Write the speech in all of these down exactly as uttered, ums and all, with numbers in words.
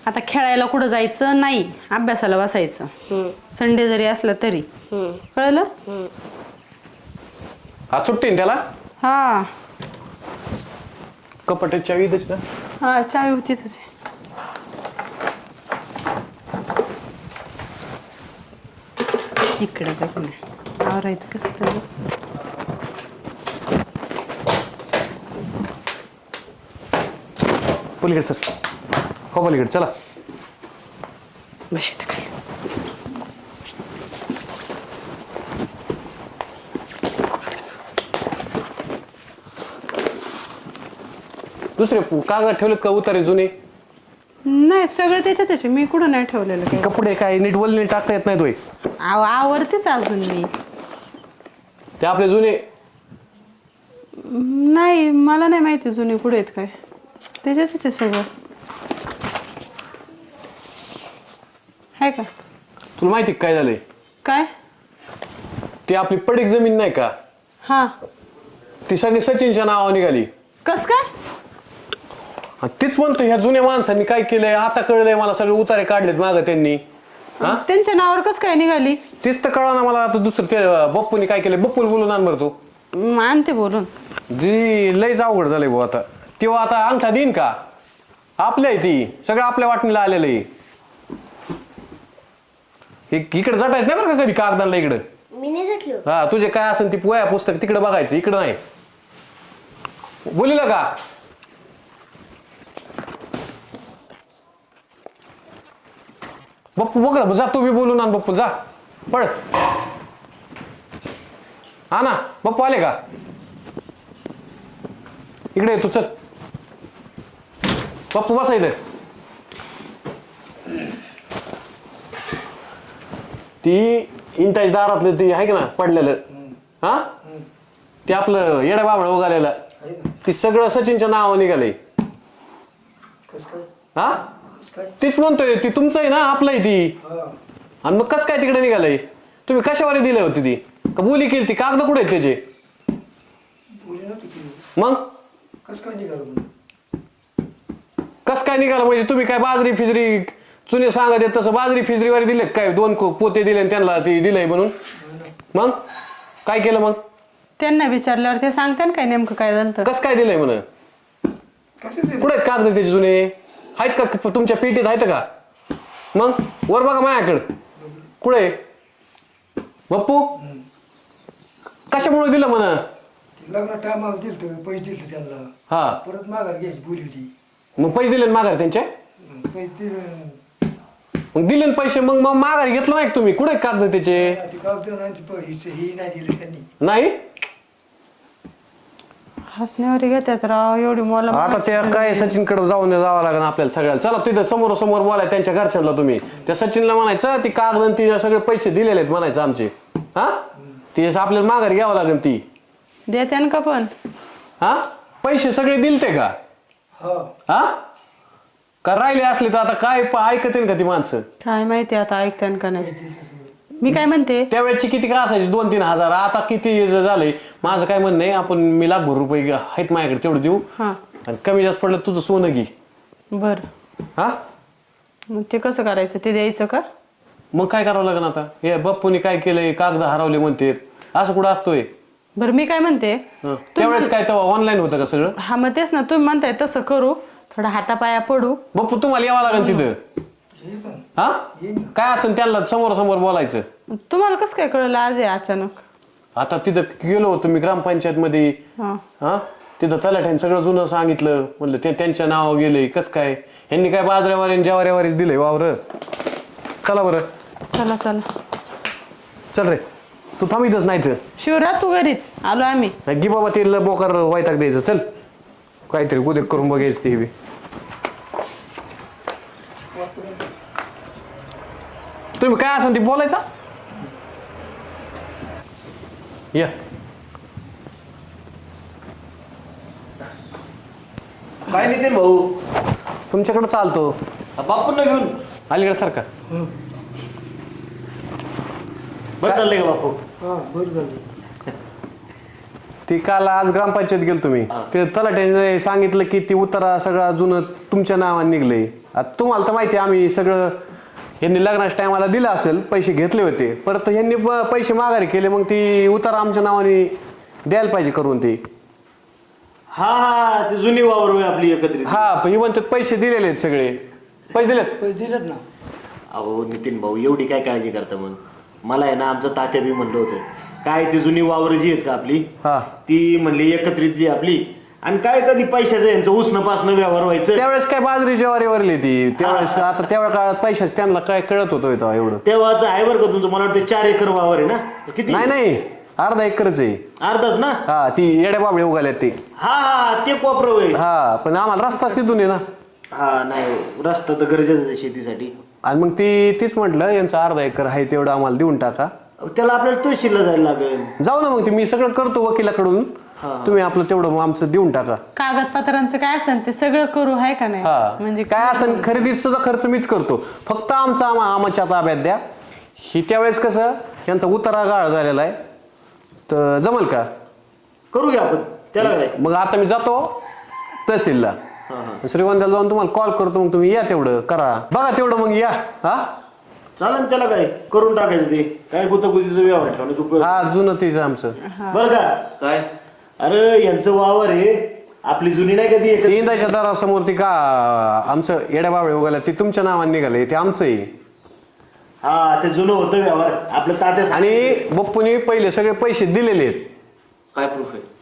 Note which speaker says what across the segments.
Speaker 1: आता खेळायला कुठं जायचं नाही, अभ्यासाला बसायचं. संडे जरी असला तरी. कळलं?
Speaker 2: आज सुट्टी ना त्याला?
Speaker 1: हा
Speaker 2: कपाटाची चावी देच ना.
Speaker 1: हा चावी होती तुझी. इकडे बघ ना, आवरायचं कसं तरी.
Speaker 2: पलीकडे सर, हो पलीकडे चला.
Speaker 1: बस इथं खाली.
Speaker 2: दुसरे कागद ठेवलेत का उतारे जुने?
Speaker 1: नाही सगळं त्याच्या त्याचे, मी कुठं नाही ठेवलेलं काही.
Speaker 2: कपडे काय नीट वल्ले टाकता येत नाही तोय?
Speaker 1: आव आवरतेच अजून मी.
Speaker 2: ते आपले जुने
Speaker 1: नाही मला नाही माहिती जुने कुठे आहेत काय. त्याच्या त्याचे सगळं आहे का?
Speaker 2: तुला माहिती काय झालंय?
Speaker 1: काय?
Speaker 2: ती आपली पडीक जमीन नाही का,
Speaker 1: हा
Speaker 2: ती सगळी सचिनच्या नावावर निघाली.
Speaker 1: कस काय?
Speaker 2: आणि तीच म्हणतो ह्या जुन्या माणसांनी काय केलंय, आता कळलंय मला, सगळे उतारे काढलेत मागं त्यांनी. हा
Speaker 1: त्यांच्या नावावर कस काय निघाली?
Speaker 2: तीच तर कळा ना मला. आता दुसरं ते बप्पूनी काय केलंय, बप्पूला बोलून आण बरं तू.
Speaker 1: आणते बोलून.
Speaker 2: जी लयच अवघड झालंय भाऊ आता. तेव्हा आता अंगठा देईन का? आपल्या आहे ती, सगळं आपल्या वाटणीला आलेलं आहे. इकडे जटायच नाही बरं का कधी कागदांना इकडं.
Speaker 3: मी नाही घेतलो.
Speaker 2: हा तुझे काय असेल ती पोया पुस्तक तिकडे बघायचं, इकडं नाही. बोलिला का? बप्पू बघ जा, तू बी बोलून आण बप्पू, जा पळ. हा ना बप्पू आले का? इकडे तू चल. बप्पू बसा इथे. ती इंटाच दारातलं ती आहे का ना पडलेलं, हा ते आपलं येडा बाबळ उगालेलं, ती सगळं सचिनच्या नावावर निघालंय. हा तीच म्हणतोय, ती तुमचं आहे ना, आपलं आहे ती. आणि मग कस काय तिकडे निघालंय? तुम्ही कशावर दिले होती ती का बोली केली ती? कागद कुठे आहेत त्याचे? मग कस काय निघालं? कस काय निघालं म्हणजे तुम्ही काय बाजरी फिजरी चुने सांगत येत तसं बाजरी फिजरीवारी दिले काय? दोन पोते दिले त्यांना ती दिलंय म्हणून. मग काय केलं? मग
Speaker 1: त्यांना विचारल्यावर ते सांगते ना काय नेमकं काय झालं.
Speaker 2: कस काय दिलंय म्हण? कुठे आहेत कागद त्याचे जुने? आहेत का तुमच्या पेटीत? आहेत का? मग वर बघा माझ्याकडं. कुठे बप्पू? कशामुळे दिलं म्हण?
Speaker 4: लग्न टायमाला दिलं पैसे दिले त्यांना.
Speaker 2: हा
Speaker 4: परत माघार घ्यायची बोली होती.
Speaker 2: मग पैसे दिले माघार त्यांच्या?
Speaker 4: पैसे
Speaker 2: मग दिले पैसे, मग मग माघार घेतलं नाही तुम्ही? कुठे कागद त्याचे?
Speaker 4: कागद पैसे ही नाही दिले त्यांनी.
Speaker 2: नाही
Speaker 1: हसण्यावर घेतात राव एवढी मला.
Speaker 2: आता ते काय सचिनकडे जाऊन जावं लागेल आपल्याला सगळ्याला. चला तिथं समोर समोर बोलाय त्यांच्या घरच्यांना. तुम्ही त्या सचिनला म्हणायचं ती कागद ती सगळे पैसे दिलेले आहेत म्हणायचं आमचे. हा ती आपल्याला माघार घ्यावं लागेल. ती
Speaker 1: देत्यान का पण?
Speaker 2: हा पैसे सगळे दिलते का? हा का राहिले असले तर आता काय ऐकते का ती माणसं?
Speaker 1: काय माहिती आता ऐकत्यान का नाही. मी काय म्हणते,
Speaker 2: त्यावेळेची किती का असायची? दोन तीन हजार. आता किती झालंय? माझं काय म्हणणं आहे, आपण मी लाखभर रुपये आहेत माझ्याकडे, तेवढं देऊ.
Speaker 1: हा
Speaker 2: आणि कमी जास्त पडलं तुझं सोनं घे.
Speaker 1: बर.
Speaker 2: हा
Speaker 1: मग ते कसं करायचं? ते द्यायचं का?
Speaker 2: मग काय करावं लागेल आता? हे बप्पूनी काय केलंय, कागद हरवले म्हणते, असं कुठं असतोय?
Speaker 1: बरं मी काय म्हणते,
Speaker 2: त्यावेळेस काय तेव्हा ऑनलाईन होतं का सगळं?
Speaker 1: हा मग तेच ना, तुम्ही म्हणताय तसं करू, थोडा हातापाया पडू.
Speaker 2: बप्पू तुम्हाला यावं लागेल तिथं. हा काय असेल त्यांना समोर समोर बोलायचं.
Speaker 1: तुम्हाला कसं काय कळलं आज आहे अचानक?
Speaker 2: आता तिथं गेलो होतो मी ग्रामपंचायत मध्ये.
Speaker 1: हा
Speaker 2: हा तिथं तलाठ्याने सगळं जुनं सांगितलं. म्हणलं ते त्यांच्या नावावर गेलंय. कस काय यांनी काय बाजऱ्यावारी ज्वाऱ्यावारीच दिलंय वावर. चला बरं.
Speaker 1: चला चला
Speaker 2: चल रे तू थांबितच नाही तर.
Speaker 1: शिवरात तू घरीच आलो आम्ही.
Speaker 2: गी बाबा ते बोकार वायताक द्यायचं. चल काहीतरी उद्या करून बघायचं ते बी. तुम्ही काय असेल ते बोलायचा. या
Speaker 5: काय नितीन भाऊ?
Speaker 2: तुमच्याकडे चालतो.
Speaker 5: बापूंना घेऊन
Speaker 2: अलीकडे सारखा.
Speaker 5: बरं चाललंय का बापू?
Speaker 4: हा बरं झालं.
Speaker 2: ती काल आज ग्रामपंचायत गेलो तुम्ही ते तलाट्याने सांगितलं की ती उतारा सगळा जुनं तुमच्या नावाने निघलंय. आता तुम्हाला तर माहिती आहे आम्ही सगळं यांनी लग्नाच्या टायमाला दिलं असेल, पैसे घेतले होते, परत यांनी प- पैसे माघारी केले, मग ती उतारा आमच्या नावाने द्यायला पाहिजे करून ती.
Speaker 5: हा हा ती जुनी वावर होय आपली एकत्रित.
Speaker 2: हा पण ही म्हणतात पैसे दिलेले आहेत सगळे. पैसे दिलेत
Speaker 4: पैसे दिलेत ना.
Speaker 5: अहो नितीन भाऊ एवढी काय काळजी करता मग. मला आहे ना आमचं तात्या बी म्हणलं होतं काय ती जुनी वावर जी आहेत का आपली
Speaker 2: हा
Speaker 5: ती म्हणली एकत्रित जी आपली आणि काय कधी पैशाचं यांचं उसणं पासणं व्यवहार व्हायचं.
Speaker 2: त्यावेळेस काय बाजरी ज्वारी वरली ती त्यावेळेस. आता तेवढ्या काळात पैशाच त्यांना काय कळत होतं तेव्हा एवढं.
Speaker 5: तेव्हाच आहे बरं का तुमचं. मला वाटतं चार एकर वावर आहे ना किती.
Speaker 2: नाही नाही अर्धा एकरच आहे.
Speaker 5: अर्धाच ना.
Speaker 2: हा ती येड्या बाबळे उगाल्यात ती.
Speaker 5: हा हा ते कोपरं होय.
Speaker 2: हा पण आम्हाला रस्ताच तिथून आहे ना.
Speaker 5: हा नाही रस्ता तर गरजेचं आहे शेतीसाठी.
Speaker 2: आणि मग ती तीच म्हटलं यांचं अर्धा एकर आहे तेवढं आम्हाला देऊन टाका.
Speaker 5: त्याला आपल्याला तहसीलला जायला लागेल.
Speaker 2: जाऊ ना मग ते मी सगळं करतो वकिलाकडून. तुम्ही आपलं तेवढं आमचं देऊन टाका.
Speaker 1: कागदपत्रांचं काय असेल ते सगळं करू आहे का नाही?
Speaker 2: हा
Speaker 1: म्हणजे
Speaker 2: काय असं खरेदी सुद्धा खर्च मीच करतो. फक्त आमचा आम्हा आमच्या ताब्यात द्या. ही त्यावेळेस कसं यांचा उतारा गाळ झालेला आहे तर जमल का?
Speaker 5: करू घ्या आपण त्याला काय.
Speaker 2: मग आता मी जातो तहसीलला. श्रीगोंद्याला जाऊन तुम्हाला कॉल करतो, मग तुम्ही या तेवढं करा बघा तेवढं मग या. हा
Speaker 5: चालेल त्याला काय करून टाकायचं ते काय गुतगुतीचं व्यवहार ठेवलं तू कर.
Speaker 2: हा जुनं तेच आमचं.
Speaker 5: बरं का काय अरे यांचं वावर आहे आपली जुनी नाही कधी
Speaker 2: ती इंदाच्या दारासमोर ती का आमचं येड्या बाबळे उगाल्या ती तुमच्या नावाने निघाले ते आमचं आहे.
Speaker 5: हा ते जुनं होतं व्यवहार आपलं तात्या.
Speaker 2: आणि बप्पूने पहिले सगळे पैसे दिलेले आहेत.
Speaker 3: काय प्रूफ आहे?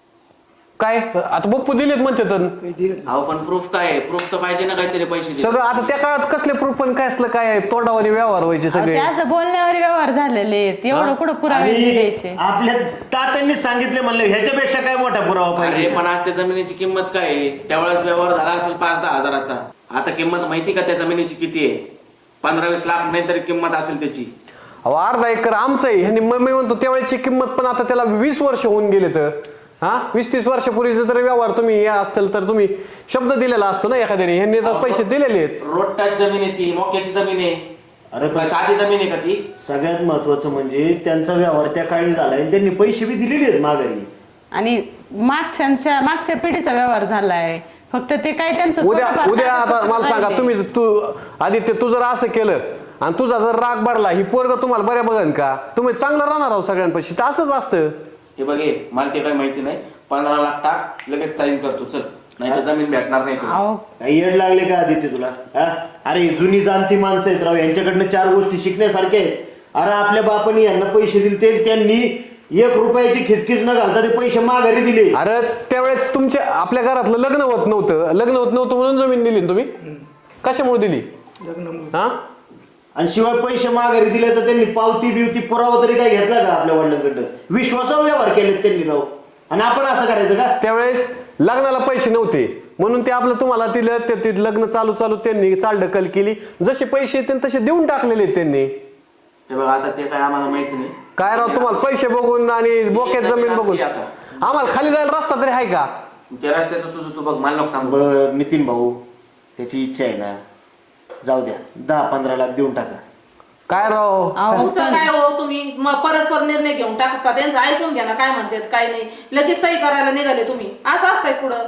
Speaker 2: काय आता बप्पू दिलेत म्हणते तर
Speaker 4: पैसे दिलेत.
Speaker 3: अहो पण प्रूफ काय आहे? प्रूफ तर पाहिजे ना काहीतरी पैसे दे.
Speaker 2: सगळं. आता त्या काळात कसले प्रूफ पण काय असलं काय तोंडावर व्यवहार व्हायचे
Speaker 1: अहो,
Speaker 2: सगळे.
Speaker 1: ते असं बोलण्यावर व्यवहार झालेले आहेत. एवढं कुठं पुरावे
Speaker 5: आणि
Speaker 1: द्यायचे?
Speaker 5: आपल्या तात्यांनी सांगितले म्हणलं ह्याच्यापेक्षा काय मोठा पुरावा
Speaker 3: अरे
Speaker 5: पाहिजे.
Speaker 3: पण आज त्या जमिनीची किंमत काय आहे? त्यावेळेस व्यवहार झाला असेल पाच दहा हजाराचा. आता किंमत माहिती का त्या जमिनीची किती आहे? पंधरा वीस लाख नाही तरी किंमत असेल त्याची.
Speaker 2: अहो अर्धा एकर आमचं आहे. ह्यांनी मग मी म्हणतो त्यावेळेची किंमत पण आता त्याला वीस वर्ष होऊन गेले तर हा वीस तीस वर्षापूर्वीचे जर व्यवहार तुम्ही या असतील तर तुम्ही शब्द दिलेला असतो ना एखाद्याने. ह्यांनी तर पैसे दिलेले आहेत.
Speaker 3: रोड टच जमीन आहे ती, मोक्याची जमीन आहे.
Speaker 5: अरे
Speaker 3: काय साधी जमीन आहे का ती?
Speaker 5: सगळ्यात महत्वाचं म्हणजे त्यांचा व्यवहार त्या काळी झालाय त्यांनी पैसे बी दिलेले आहेत माघारी.
Speaker 1: आणि मागच्या मागच्या पिढीचा व्यवहार झालाय. फक्त ते काय त्यांचं
Speaker 2: उद्या
Speaker 1: थोडंफार
Speaker 2: उद्या आता
Speaker 1: कागदपत्र
Speaker 2: मला सांगा
Speaker 1: राहिले.
Speaker 2: तुम्ही तू आदित्य तू जर असं केलं आणि तुझा जर राग भरला ही पोरग तुम्हाला बऱ्या बघन का? तुम्ही चांगलं राहणार आहोत सगळ्यांपाशी. तर असंच असतं.
Speaker 3: हे बघ ये, मला ते काही माहिती नाही. पंधरा लाख टाक लगेच साईन करतो चल, नाही तर जमीन भेटणार नाही तुला.
Speaker 1: अहो
Speaker 5: काही येड लागले का आदित्य तुला हा? अरे जुनी जाणती माणसं आहेत राव यांच्याकडनं चार गोष्टी शिकण्यासारख्या आहेत. अरे आपल्या बापानी यांना पैसे दिले ते त्यांनी एक रुपयाची खिचखिच न घालता ते पैसे माघारी दिले.
Speaker 2: अरे त्यावेळेस तुमच्या आपल्या घरातलं लग्न होत नव्हतं. लग्न होत नव्हतं म्हणून जमीन दिली ना तुम्ही. कशामुळे दिली?
Speaker 4: लग्नामुळे.
Speaker 2: हा
Speaker 5: आणि शिवाय पैसे माघारी दिले तर त्यांनी पावती बिवती पुरावा तरी काय घेतला का आपल्या वडिलांकडनं? विश्वासावर व्यवहार केले त्यांनी राव. आणि आपण असं करायचं का?
Speaker 2: त्यावेळेस लग्नाला पैसे नव्हते म्हणून ते आपलं तुम्हाला दिलं. ते ते लग्न चालू चालू त्यांनी चालढकल केली. जसे पैसे येते तसे देऊन टाकलेले आहेत त्यांनी.
Speaker 3: हे बघ आता ते काय आम्हाला माहिती नाही.
Speaker 2: काय राव तुम्हाला पैसे बघून आणि बोक्यात जमीन बघून
Speaker 3: आता.
Speaker 2: आम्हाला खाली जायला रस्ता तरी आहे का?
Speaker 3: त्या रस्त्याचं तुझं तू बघ, मला नको सांगू.
Speaker 5: बरं नितीन भाऊ त्याची इच्छा आहे ना जाऊ द्या दहा पंधरा लाख देऊन टाका.
Speaker 2: काय राव
Speaker 1: अहो
Speaker 6: तुमचं काय हो तुम्ही म- परस्पर निर्णय घेऊन टाकता. त्यांचं ऐकून घ्या ना काय म्हणतात काय नाही. लगेच सही करायला निघाले तुम्ही. असं असतंय पुढं.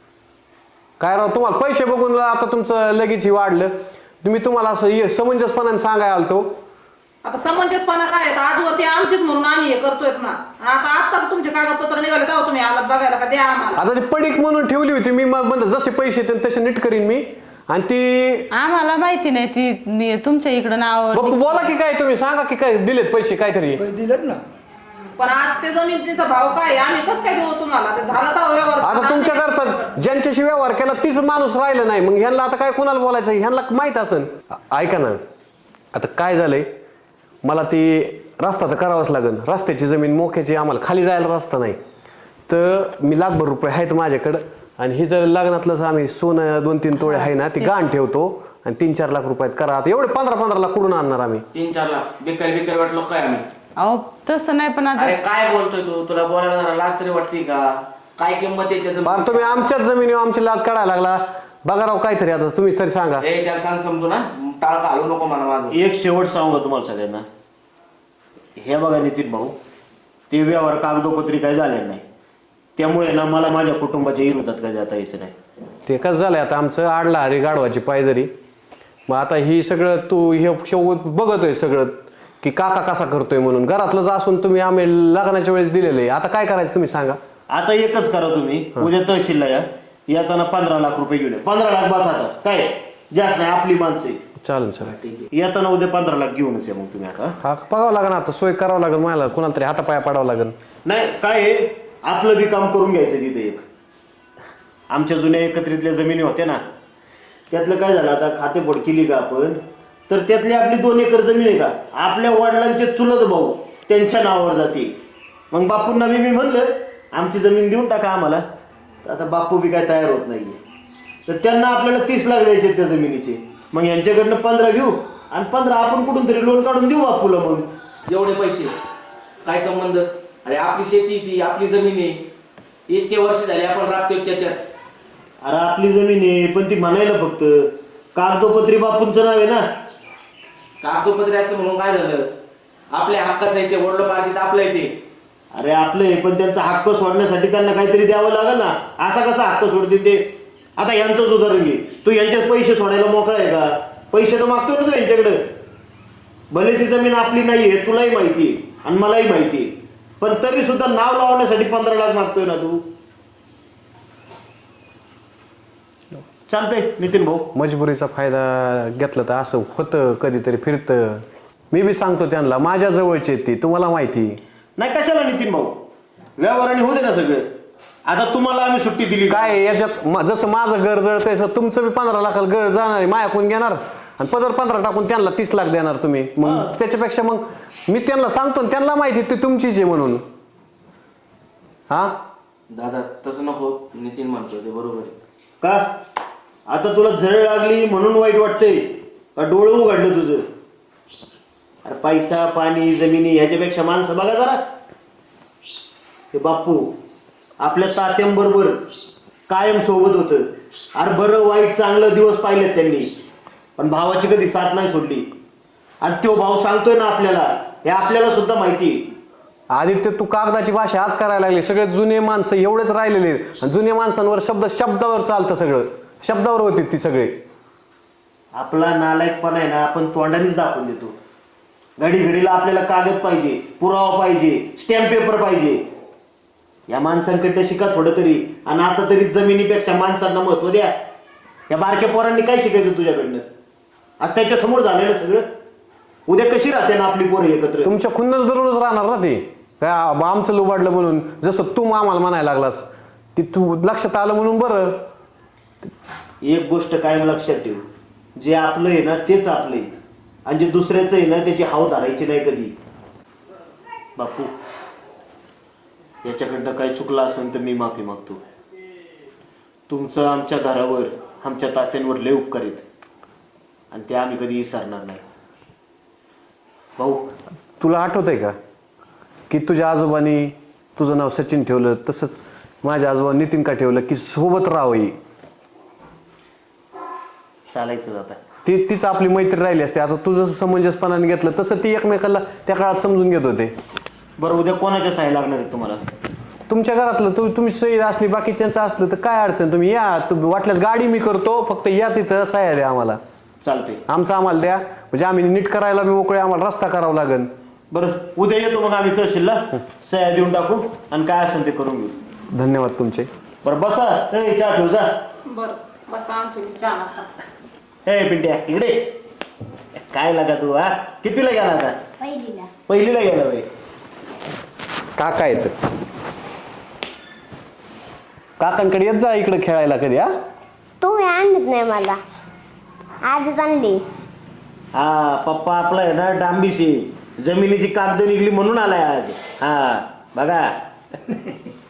Speaker 2: काय राव तुम्हाला पैसे बघून आता तुमचं लगेच ही वाढलं. तुम्ही तुम्हाला असं हे समंजसपणाने सांगाय आलतो.
Speaker 6: आता समंजसपणा काय आहे? आजवर ते आमचीच म्हणून आम्ही हे करतोय ना. आणि आता आता तुमचे कागदपत्र निघाले तेव्हा तुम्ही आलात बघायला का द्या आम्हाला.
Speaker 2: आता ती पडीक म्हणून ठेवली होती मी. मग म्हणलं जसे पैसे येतील तसे नीट करीन मी. आणि ती
Speaker 1: आम्हाला माहिती नाही ती मी तुमच्या इकडं नाव
Speaker 2: बप्पू बोला की काय तुम्ही सांगा की काय दिलेत पैसे काहीतरी.
Speaker 4: पैसे दिलेत ना.
Speaker 6: पण आज ते जमिनीचा भाव काय आहे? आम्ही कसं काय देऊ तुम्हाला? ते झालं तर व्यवहार.
Speaker 2: आता तुमच्या घरचा ज्यांच्याशी व्यवहार केला तीच माणूस राहिला नाही. मग ह्यांना आता काय कोणाला बोलायचं? ह्यांना माहित असेल. ऐका ना आता काय झालंय मला ती रस्ता तर करावाच लागेल. रस्त्याची जमीन मोक्याची आम्हाला खाली जायला रस्ता नाही. तर मी लाखभर रुपये आहेत माझ्याकडं. आणि ही जर लग्नातलं आम्ही सोनं दोन तीन तोळे आहे ना ती गाण ठेवतो आणि तीन चार लाख रुपयात करा. आता एवढे पंधरा पंधरा लाख कुठून आणणार आम्ही?
Speaker 3: तीन चार लाख बेकार बेकार वाटलो काय आम्ही?
Speaker 1: अहो तसं नाही पण आता
Speaker 3: अरे काय बोलतोय तू? तुला बोलायला जरा लाज तरी वाटते का? काय किंमत आहे त्याच्या
Speaker 2: बरं तुम्ही आमच्याच जमिनीवर आमची लाज काढायला लागला. बघा राव काहीतरी आता तुम्हीच तरी सांगा.
Speaker 3: ए त्याला सांग समजू ना, टाळका हलू नको मला माझं.
Speaker 5: एक शेवट सांगू का तुम्हाला सगळ्यांना? हे बघा नितीन भाऊ ते व्यवहार कागदोपत्री काय झाले नाही. त्यामुळे ना मला माझ्या कुटुंबाच्या विरोधात काय जाता यायचं नाही.
Speaker 2: ते कसं झालंय आता आमचं आडला हरी गाढवाची पायदरी. मग आता ही सगळं तू हे हे बघतोय सगळं की काका कसा करतोय म्हणून. घरातलं असून तुम्ही आम्ही लग्नाच्या वेळेस दिलेलं आहे. आता काय करायचं तुम्ही सांगा.
Speaker 5: आता एकच करा तुम्ही, उद्या तहसीलला या, येताना पंधरा लाख रुपये घेऊन या. पंधरा लाख बस आता काय जास्त नाही, आपली माणसं आहे.
Speaker 2: चालेल सर.
Speaker 5: येताना उद्या पंधरा लाख घेऊनच या मग तुम्ही. आता
Speaker 2: हा बघावं लागेल, आता सोय करावं लागेल मला, कोणाला तरी हातापाया पाडावं लागेल.
Speaker 5: नाही काय आहे, आपलं बी काम करून घ्यायचं तिथे. एक आमच्या जुन्या एकत्रितल्या जमिनी होत्या ना, त्यातलं काय झालं आता खातेफोड केली का आपण, तर त्यातली आपली दोन एकर जमीन आहे का आपल्या वडिलांचे चुलत भाऊ त्यांच्या नावावर जाते. मग बापूंना बी मी म्हणलं आमची जमीन देऊन टाका आम्हाला, तर आता बापू बी काय तयार होत नाहीये. तर त्यांना आपल्याला तीस लाख द्यायचे त्या जमिनीचे. मग यांच्याकडनं पंधरा घेऊ आणि पंधरा आपण कुठून तरी लोन काढून देऊ बापूला. मग
Speaker 3: एवढे पैसे काय संबंध? अरे आपली शेती ती आपली जमीन आहे, इतके वर्ष झाले आपण राबतोय त्याच्यात.
Speaker 5: अरे आपली जमीन आहे पण ती म्हणायला फक्त कागदोपत्री बापूंचं नाव आहे ना.
Speaker 3: कागदोपत्री असतं म्हणून काय झालं? आपल्या हक्काचं आहे ते, वडिलोपार्जित आपलं आहे ते.
Speaker 5: अरे आपले पण त्यांचा हक्क सोडण्यासाठी त्यांना काहीतरी द्यावं लागेल ना. असा कसा हक्क सोडतील ते? आता यांचंच उदाहरण घे, तू यांच्यात पैसे सोडायला मोकळा आहे का? पैसे तर मागतोय ना तू यांच्याकडे. भले ती जमीन आपली नाहीये, तुलाही माहिती आणि मलाही माहिती, पण तरी सुद्धा नाव लावण्यासाठी पंधरा लाख मागतोय ना तू. चालतंय नितीन भाऊ.
Speaker 2: मजबुरीचा फायदा घेतला तर असं होतं, कधीतरी फिरतं. मी बी सांगतो त्यांना, माझ्या जवळचे ती तुम्हाला माहिती
Speaker 5: नाही कशाला नितीन भाऊ, व्यवहाराने होऊ दे ना सगळं. आता तुम्हाला आम्ही सुट्टी दिली
Speaker 2: काय आहे याच्यात. म- जसं माझं घर जळतंय तसं तुमचं बी पंधरा लाखाला घर जाणार आहे, मायाकून घेणार आणि पदर पंधरा टाकून त्यांना तीस लाख देणार तुम्ही. मग त्याच्यापेक्षा मग मी त्यांना सांगतो ना, त्यांना माहिती ती तुमचीच आहे म्हणून. हा
Speaker 3: दादा तसं नको, नितीन म्हणतोय ते बरोबर आहे.
Speaker 5: का आता तुला झळ लागली म्हणून वाईट वाटतंय का डोळं उघडलं तुझं? अरे पैसा पाणी जमिनी ह्याच्यापेक्षा माणसं बघा जरा. हे बापू आपल्या तात्यांबरोबर कायम सोबत होतं. अरे बरं वाईट चांगलं दिवस पाहिलेत त्यांनी, पण भावाची कधी साथ नाही सोडली. आणि तो भाऊ सांगतोय ना आपल्याला, हे आपल्याला सुद्धा माहिती.
Speaker 2: आदित्य तू कागदाची भाषा आज करायला लागली. सगळे जुने माणसं एवढेच राहिलेले आणि जुन्या माणसांवर शब्द शब्दावर चालतं, सगळं शब्दावर होती ती सगळे.
Speaker 5: आपला नालायकपणा आहे ना आपण तोंडानेच दाखवून देतो. घडी घडीला आपल्याला कागद पाहिजे, पुरावा पाहिजे, स्टॅम्प पेपर पाहिजे. या माणसांकडनं शिका थोडं तरी. आणि आता तरी जमिनीपेक्षा माणसांना महत्व द्या. या बारक्या पोरांनी काय शिकायचं तुझ्याकडनं? आज त्याच्या समोर झालेलं सगळं. उद्या कशी राहते ना आपली पोरं एकत्र?
Speaker 2: तुमच्या खुन्नच दररोज राहणार ना ते. काय आमचं लुबाडलं म्हणून, जसं तू आम्हाला म्हणायला लागलास ती तू लक्षात आलं म्हणून बरं.
Speaker 5: एक गोष्ट कायम लक्षात ठेव, जे आपलं आहे ना तेच आपलं आहे आणि जे दुसऱ्याचं आहे ना त्याची हाव धरायची नाही कधी. बापू याच्याकडनं काही चुकलं असेल तर मी माफी मागतो. तुमचं आमच्या घरावर आमच्या तात्यांवर लय उपकार आहेत आणि ते आम्ही कधी विसरणार नाही. भाऊ
Speaker 2: तुला आठवत आहे का की तुझ्या आजोबांनी तुझं नाव सचिन ठेवलं, तसंच माझ्या आजोबा नितीन का ठेवलं की सोबत राहावी.
Speaker 5: चालायचं जाता
Speaker 2: ती तीच आपली मैत्री राहिली असते. आता तू जसं समंजसपणाने घेतलं तसं ती एकमेकाला त्या काळात समजून घेत होते.
Speaker 5: बरं उद्या कोणाच्या सहाय्या लागणार आहे तुम्हाला?
Speaker 2: तुमच्या घरातलं तू तुम्ही सही असली बाकीच्यांचं असलं तर काय अडचण, तुम्ही या. तुम्ही वाटल्यास गाडी मी करतो, फक्त या तिथं सह्या द्या आम्हाला.
Speaker 5: चालते
Speaker 2: आमचं आम्हाला द्या, म्हणजे आम्ही नीट करायला मी मोकळे, आम्हाला रस्ता करावा लागेल.
Speaker 5: बरं उद्या येतो मग आम्ही तहसीलला, सह्या देऊन टाकू आणि काय असेल ते करून घेऊ.
Speaker 2: धन्यवाद तुमचे.
Speaker 5: बरं बसा. ए चहा ठेव जा.
Speaker 6: बरं बस आणते मी चहा नाश्ता.
Speaker 5: ए पिंट्या इकडे काय लागा तू? हा कितीला गेला आता?
Speaker 7: पहिलीला.
Speaker 5: पहिलीला गेला बाई.
Speaker 2: काका येत, काकांकडे येत जा इकडे खेळायला कधी. हा
Speaker 7: तुम्ही आणत नाही मला, आजच आणली.
Speaker 5: हा पप्पा आपला आहे ना डांबीशी जमिनीची कागद निघली म्हणून आलाय आज. हा बघा